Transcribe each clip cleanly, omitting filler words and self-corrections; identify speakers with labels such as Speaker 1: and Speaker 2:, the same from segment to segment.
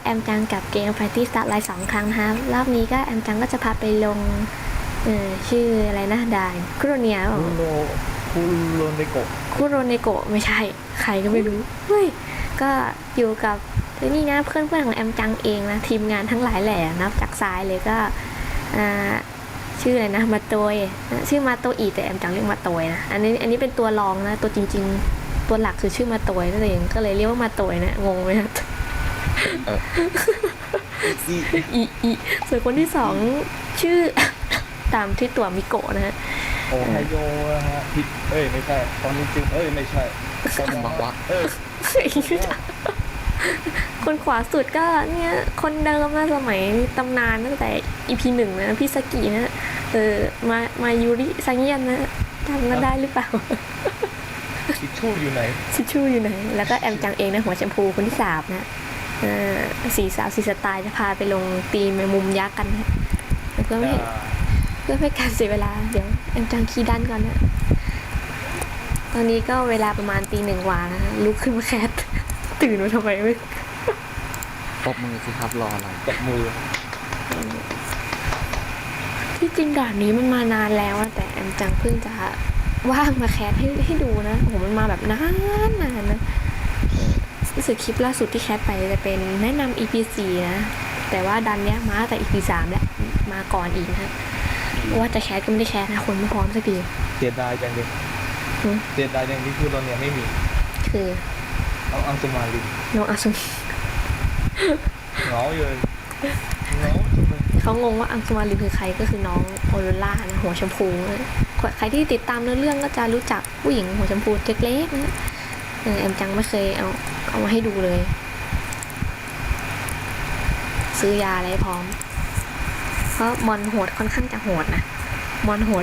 Speaker 1: แอมจังกับเกม Party Start ไลน์2 ครั้งนะคะรอบนี้ก็แอมจังก็จะพาไปลงชื่ออะไรนะด่านคุโรเนีย
Speaker 2: คุโรเนโกะ
Speaker 1: คุโรเนโกะไม่ใช่ใครก็ไม่รู้เฮ้ยก็อยู่กับนี่นะเพื่อนๆของแอมจังเองนะทีมงานทั้งหลายแหล่นับจากซ้ายเลยก็ชื่ออะไรนะมาโตยชื่อมาโตอีแต่แอมจังเรียกมาโตยนะอันนี้เป็นตัวรองนะตัวจริงๆตัวหลักคือชื่อมาโตยนั่นเองก็เลยเรียกว่ามาโตยนะงงไหมครับอีส่วนคนที่สองชื่อตามที่ตัวมิโกะนะฮะ
Speaker 2: โอไฮโอนะฮะผิดไม่ใช่ตอนจริงไม่ใช่ตอนบอกว่า
Speaker 1: คนขวาสุดก็เนี่ยคนเดิมนะสมัยตำนานตั้งแต่ EP 1นะพี่สกินะมายูริซังเยียนนะจำกันได้หรือเปล่า
Speaker 2: ชิชูอยู่ไหน
Speaker 1: แล้วก็แอมจังเองนะหัวแชมพูคนที่3นะสี่สาวสี่สไตล์จะพาไปลงตีแมงมุมยักษ์กันนะเพื่อไม่การเสียเวลาเดี๋ยวแอมจังคีย์ดันก่อนนะตอนนี้ก็เวลาประมาณตี 1 กว่านะลุกขึ้นมาแคสตื่นมาทำไมไม่
Speaker 3: ปบมือสิครับรออะไร
Speaker 2: ปบมือ
Speaker 1: ที่จริงด่านนี้มันมานานแล้วแต่แอมจังเพิ่งจะว่างมาแคสให้ดูนะโหมันมาแบบนานนะรู้สึกคลิปล่าสุดที่แคสไปจะเป็นแนะนำ EP 4นะแต่ว่าดันเนี้ยมาแต่ EP 3แหละมาก่อนอีกนะว่าจะแคสก็ไม่ได้แคสนะคนไม่พร้อมสักที
Speaker 2: เสียดายจังเลยคือตอนนี้ไม่มี
Speaker 1: คือ
Speaker 2: น้องอังสุมาลิน
Speaker 1: เหงา
Speaker 2: เลย
Speaker 1: เขางงว่าอังสุมาลินคือใครก็คือน้องโอโรล่านะหัวชมพูใครที่ติดตามเรื่องก็จะรู้จักผู้หญิงหัวชมพูเล็กๆนะแอมจังไม่เคยเอามาให้ดูเลยซื้อยาอะไรพร้อมเพราะมอนโหดค่อนข้างจะโหดนะไม่โหด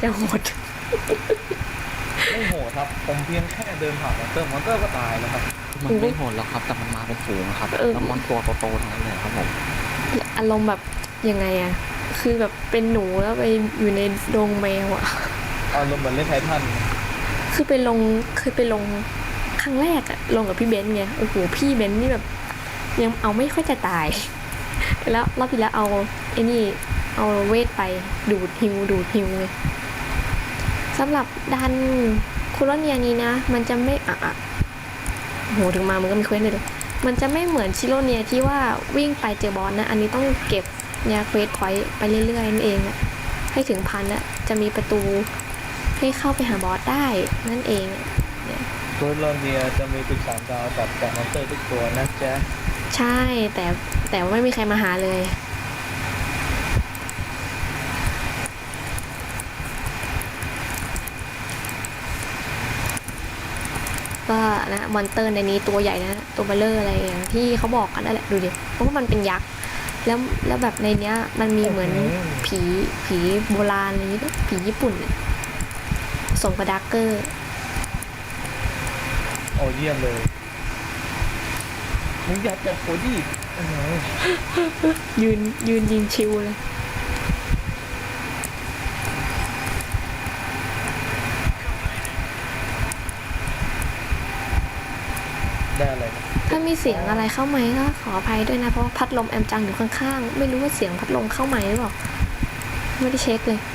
Speaker 2: ครับผมเพียงแค่เดินผ่านมอนเตอร์ก็ตายแล้วครับ
Speaker 3: มันไม่โหดแล้วครับแต่มันมาเป็นฝูงครับแล้วมอนตัวโตๆทั้งนั้นเลยครับผม
Speaker 1: อารมณ์แบบยังไงอะคือแบบเป็นหนูแล้วไปอยู่ในดงแมวอะ
Speaker 2: อารมณ์เหมือนเล่นไททัน
Speaker 1: คือเคยไปลงครั้งแรกอะลงกับพี่เบนซ์ไงโอ้โหพี่เบนซ์นี่แบบยังเอาไม่ค่อยจะตายแล้วรอบที่แล้วเอาเวทไปดูดฮิวเลยสำหรับดันคุโรเนียนี้นะมันจะไม่โหถึงมามันก็มีเควสเลยมันจะไม่เหมือนชิโรเนียที่ว่าวิ่งไปเจอบอสนะอันนี้ต้องเก็บเนี่ยเควสพอยต์ไปเรื่อยๆนั่นเองให้ถึง1,000นะจะมีประตูให้เข้าไปหาบอสได้นั่นเอง
Speaker 2: คุโรเนียจะมีตึก3 ดาวจากมอนเตอร์ทุกตัวนะจ๊ะ
Speaker 1: ใช่แต่ว่าไม่มีใครมาหาเลยก็นะมอนเตอร์ในนี้ตัวใหญ่นะตัวเบลเลอร์อะไรอย่างที่เขาบอกกันนั่นแหละดูดิเพราะว่ามันเป็นยักษ์แล้วแบบในเนี้ยมันมีเหมือนผีโบราณอะไรนี้ผีญี่ปุ่นส่งกระดักเกอร์
Speaker 2: โอ้เยี่ยมเลยมึงอยากจับโคดี้
Speaker 1: ยืนยิงชิวเลย
Speaker 2: ได้อะไร
Speaker 1: ถ้ามีเสียงอะไรเข้าไหมก็ขออภัยด้วยนะเพราะพัดลมแอมจังอยู่ข้างๆไม่รู้ว่าเสียงพัดลมเข้าไหมหรือเปล่าไม่ได้เช็คเลย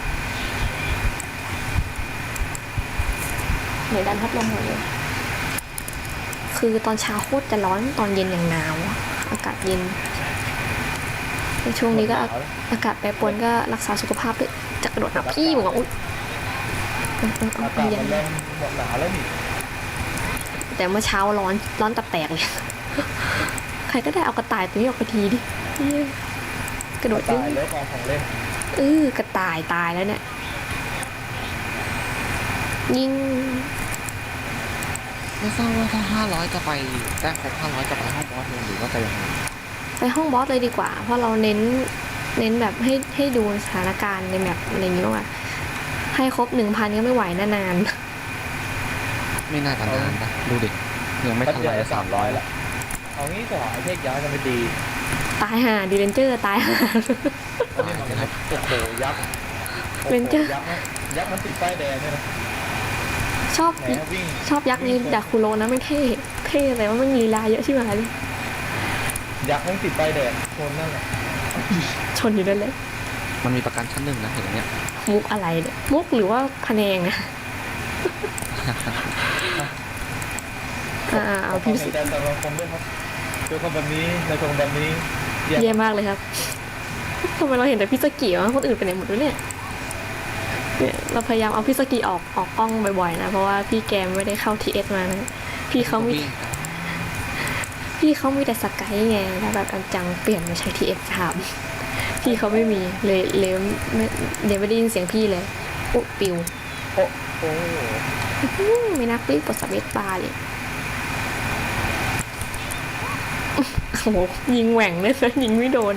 Speaker 1: เดี๋ยวดันพัดลมหมดเลยคือตอนเช้าโคตรจะร้อนตอนเย็นอย่างหนาวอากาศเย็นในช่วงนี้ก็อากาศแปรปรวนก็รักษาสุขภาพด้วยจะกระโดดหนับพี่มึงอุ๊ย
Speaker 2: อากาศมันเริ่มหมดหนาวแล้วนี่
Speaker 1: แต่เมื่อเช้าร้อนตับแตกเลยใครก็ได้เอากระต่ายตัวนี้ออกไปทีดิกระโดด
Speaker 2: ตายแล้วของเล่น
Speaker 1: กระต่ายตายแล้วเนี่ยยิง
Speaker 3: ไม่ทราบว่าถ้า500จะไปแต้มครบ500จะไปห้องบอสเลยหรือว่าจะยังไง
Speaker 1: ไปห้องบอสเลยดีกว่าเพราะเราเน้นแบบให้ดูสถานการณ์ในแมปอะไรอย่างเงี้ยว่าให้ครบ 1,000 ก็ไม่ไหวนะนาน
Speaker 3: ไม่น่าจะนานนะดูดิยังไม่ทันไร
Speaker 2: 300ละเอางี้ก่อนไอ้เทคย้ายกันไม่ดี
Speaker 1: ตายห่าดีเรนเจอร์ตายห่า
Speaker 2: โอ้โหยักษ์
Speaker 1: เรนเจอร์
Speaker 2: ยักษ์มันติดป้ายแดงเนี่ยนะ
Speaker 1: ชอบยักษ์นี้ดาคุโรนะไม่เท่แต่ว่ามันลีลาเยอะใช่ไหมเลย
Speaker 2: ยักษ์แม่งติดใบแดดคนนั่นแหละ
Speaker 1: ชนอยู่นั่นเลย
Speaker 3: มันมีประกันชั้นหนึ่งนะเห็นไหมเนี่ย
Speaker 1: มุกอะไรเนี่ยมุกหรือว่าพะแนงอะเอาพี่
Speaker 2: ขอใจแต่ละคนด้วยครับเจอคนแบบนี้ในคนแบบนี้แย่
Speaker 1: แย่มากเลยครับทำไมเราเห็นแต่พี่สกีวะคนอื่นไปไหนหมดวะเนี่ยเราพยายามเอาพี่สกีออกกล้องบ่อยๆนะเพราะว่าพี่แกมไม่ได้เข้าทีเอสมานะพี่เขามี พี่เขามีแต่สกายไงแล้วแบบอันจังเปลี่ยนมาใช้ทีเอสถามพี่เขาไม่มีเลยไม่ได้ยินเสียงพี่เลยโอ้ปิว
Speaker 2: โอ้โห
Speaker 1: ไม่นักรีบกดสเปซบาร์เลยโอ้โหยิงแหว่งเลยนะยิงไม่โดน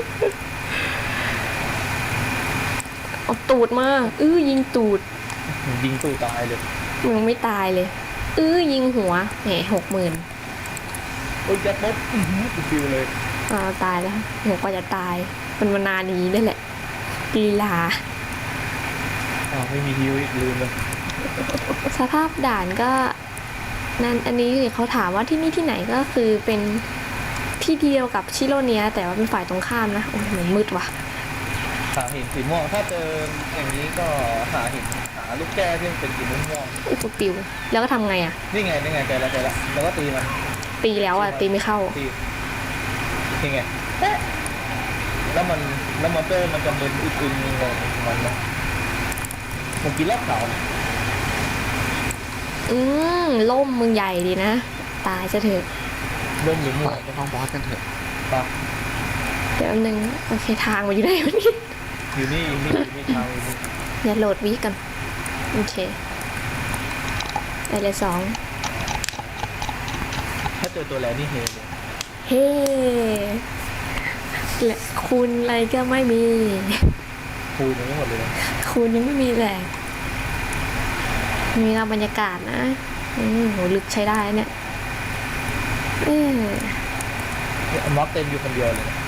Speaker 1: เอาตูดมายิงตูด
Speaker 2: ยิงตู่ตายเลย
Speaker 1: ยังไม่ตายเลยยิงหัวแหม60,000
Speaker 2: โอ้ยยัดมดฟิวเลย
Speaker 1: ตายแล้วหัวกว่าจะตายมันมานานนี้นี่แหละลีลา
Speaker 2: ไม่มีฮิวอีกลืมเลย
Speaker 1: สภาพด่านก็นั่นอันนี้เขาถามว่าที่นี่ที่ไหนก็คือเป็นที่เดียวกับชิโรเนียแต่ว่าเป็นฝ่ายตรงข้ามนะโอ้ยเหมือนมืดว่ะ
Speaker 2: หาหินสีม่วงถ้าเจออย่างนี้ก็หาหินหาลูกแก้วที่เป็นสีม่วง
Speaker 1: อุปปิวแล้วก็ทำไงอ่ะ
Speaker 2: นี่ไงใจละแล้วก็ตีมัน
Speaker 1: ตีแล้วอ่ะตีไม่เข้า
Speaker 2: ตีนี่ไงแล้วมันเตอร์มันจะมึนอึนๆงงมันนะผมกินรอบเขา
Speaker 1: ล่มมึงใหญ่ดีนะตายจะเถอะ
Speaker 2: เริ่มหรือ
Speaker 3: ไป
Speaker 2: มั่ว
Speaker 3: ห้องบอสกันเถอะ
Speaker 2: ปะ
Speaker 1: เดี๋ยวนึงโอเคทางมาอยู่ไหนวะนี่
Speaker 2: อยู่นี่ทางอยู่นี่
Speaker 1: อย่าโหลดวิกันโอเคได้เลย2
Speaker 2: ถ้าเจอตัวแลนี่เฮเลย
Speaker 1: เฮ้และคุณอะไรก็ไม่มี
Speaker 2: คูณยังไม่หมดเลยนะ
Speaker 1: คุณยังไม่มีแหละมีเราบรรยากาศนะโหลึกใช้ได้เนี่ย
Speaker 2: ม็อกเต็มอยู่คนเดียวเลยนะ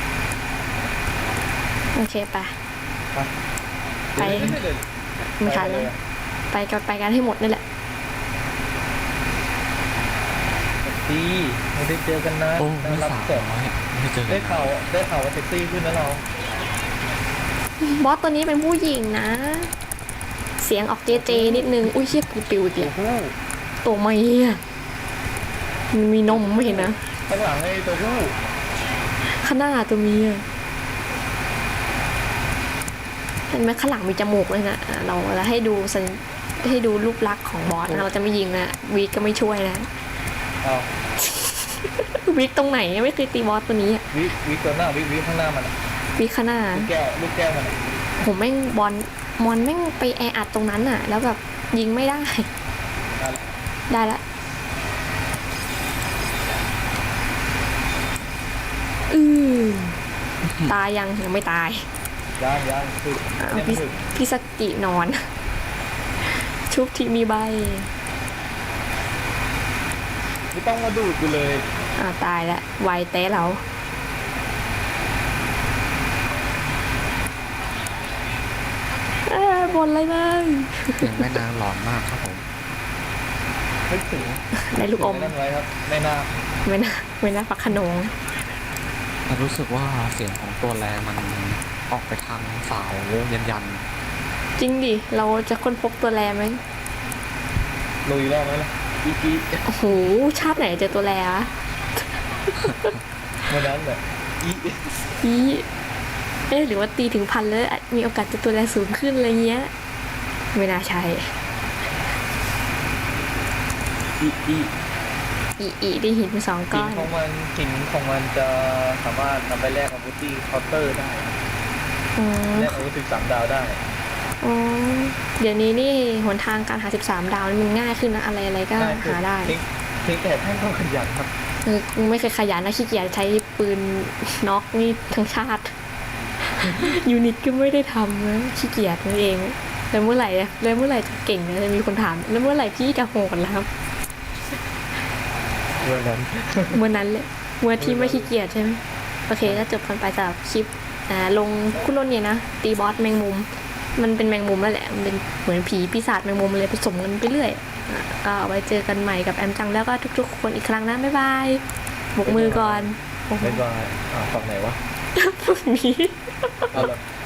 Speaker 1: โอเคไป ไป
Speaker 2: ไม่เลย
Speaker 1: ไม่ทันแล้วไปกันให้หมดนี่แหละ
Speaker 2: ดีไม่ได้เจอกันนะ
Speaker 3: โอ้ไม่
Speaker 2: รับ
Speaker 3: สาว
Speaker 2: เสร็จ
Speaker 3: น้อยไม่เจอกั
Speaker 2: ได้
Speaker 3: น
Speaker 2: ข่าวว่าเซ็กซี่ขึ้นนะเรา
Speaker 1: บอสตัวนี้เป็นผู้หญิงนะ เสียงออกเจนิดนึงอุ้ยเชี่ยปิวอีก
Speaker 2: โอ้
Speaker 1: แล้ว
Speaker 2: โห
Speaker 1: ตัวไม่อะมันมีนมไม่เห็นนะ
Speaker 2: ข้างหลังไอ้ตัวผู้
Speaker 1: ข้างหน้าตัวเมียเห็นไหมข้างหลังมีจมูกเลยนะเราให้ดูรูปลักษณ์ของบอสนะเราจะไม่ยิงนะวีก็ไม่ช่วยนะ
Speaker 2: เอา
Speaker 1: วิกตรงไหนไม่เคยตีบอสตัวนี้อะ
Speaker 2: วิตัวหน้าวิข้างหน้ามันอะ
Speaker 1: วิกข้างหน้า
Speaker 2: ลูกแก้วมันอะ
Speaker 1: ผมแม่งมอนแม่งไปแออัดตรงนั้นอ่ะ แล้วแบบยิงไม่ได้ ได้ละตายยังไม่ตาย
Speaker 2: ยังคือ
Speaker 1: เอา
Speaker 2: ยัง
Speaker 1: พี่
Speaker 2: ถึง
Speaker 1: พี่สกินอน ชุบทีมีใบ
Speaker 2: ไม่ต้องมาดูดกูเลย
Speaker 1: ตายละไวเต้เราบนเลยนะ
Speaker 3: เสียงแม่นางหลอนมากครับผม
Speaker 2: นึกถึง
Speaker 1: ได้ลูกอม
Speaker 2: นั่นไว้ครับไม่น่า
Speaker 1: ไม่น่าฟักขนง
Speaker 3: แต่รู้สึกว่าเสียงของตัวแรงมันออกไปทางสาวยัน
Speaker 1: จริงดิ เราจะค้นพบตัวแรไหม
Speaker 2: ลุยรอบไหมล่ะอี
Speaker 1: โอ้โห ชาติไหนเจอตัวแรวะ
Speaker 2: วันนั้นแบบอี
Speaker 1: อีหรือว่าตีถึง1,000แล้วอาจมีโอกาสจะตัวแรสูงขึ้นอะไรเงี้ย ไม่น่าใช่ อีได้หินไป2 ก้อน
Speaker 2: หินของมันจะสามารถนำไปแลกอาวุธที่เคาน์เตอร์ได้
Speaker 1: อ๋อ
Speaker 2: แลกอาวุธ13 ดาวได้
Speaker 1: อ๋อ เดี๋ยวนี้นี่หนทางการหา13 ดาวนี่มันง่ายขึ้นนะ อะไรก็หาได้
Speaker 2: เพียงแต่ท่านต้องขยันครับ
Speaker 1: ไม่เคยขยันนะขี้เกียจใช้ปืนน็อกนี่ทั้งชาติ ยูนิตก็ไม่ได้ทำนะขี้เกียจนั่นเองแล้วเมื่อไหร่จะเก่งนะจะมีคนถามแล้วเมื่อไหร่พี่จะโหดแล้วครับ
Speaker 2: เมื่อนั้น
Speaker 1: เมื่อนั้นเลยเมื่อที่ไม่ขี้เกียจใช่ไหมโอเคก็จบกันไปสำหรับคลิปลงคุณล้นเนี่ยนะตีบอสแมงมุมมันเป็นแมงมุมแล้วแหละมันเป็นเหมือนผีปีศาจแมงมุมเลยผสมกันไปเรื่อยก็เอาไว้เจอกันใหม่กับแอมจังแล้วก็ทุกๆคนอีกครั้งนะบ๊ายบายบกมือก่อนโอ้โห
Speaker 2: บ๊ายบายฝั่งไหนวะ
Speaker 1: พรุ่งนี้
Speaker 2: เอาแบบ